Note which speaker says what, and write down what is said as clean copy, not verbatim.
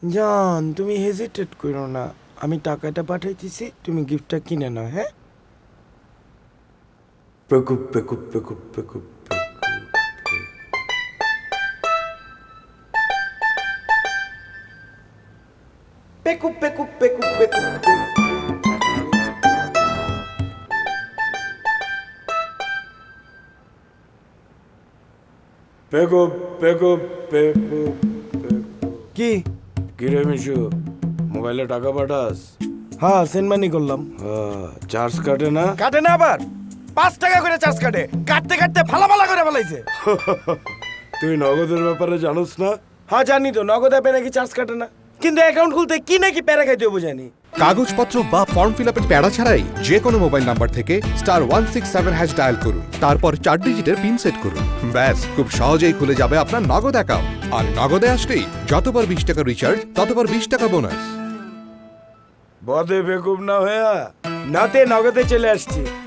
Speaker 1: জান তুমি হেজিটেট করো না, আমি টাকাটা পাঠাইতেছি, তুমি গিফটটা কিনে নাও। হ্যাঁ, পেকুপ পেকুপ পেকুপ পেকুপ পেকুপ পেকুপ পেকুপ পেকুপ। পেকুপ পেকুপ পেকুপ কি কিরে মিশু, মোবাইলে টাকা পাঠাস? হ্যাঁ, সেন্ড মানি করলাম। চার্জ কাটে না? কাটে না, আবার 5 টাকা করে চার্জ কাটে। কাটতে কাটতে ফালা করে ফেলাইছে। তুই নগদের ব্যাপারে জানোস না? হ্যাঁ জানি তো, নগদ অ্যাপে নাকি চার্জ কাটে না, কিন্তু অ্যাকাউন্ট খুলতে কি নাকি প্যারা খাইতে হবে জানি।
Speaker 2: কাগজপত্র বা ফর্ম ফিল আপের প্যারা ছাড়াই যে কোনো মোবাইল নাম্বার থেকে *167# ডায়াল করুন, তারপর 4 ডিজিটের পিন সেট করুন। ব্যাস, খুব সহজেই খুলে যাবে আপনার নগদ অ্যাকাউন্ট। আর নগদে আসলেই যতবার 20 টাকা রিচার্জ, ততবার 20 টাকা বোনাস।
Speaker 1: বদে বেকুব না হয়ে নাতে নগদে চলে আসছি।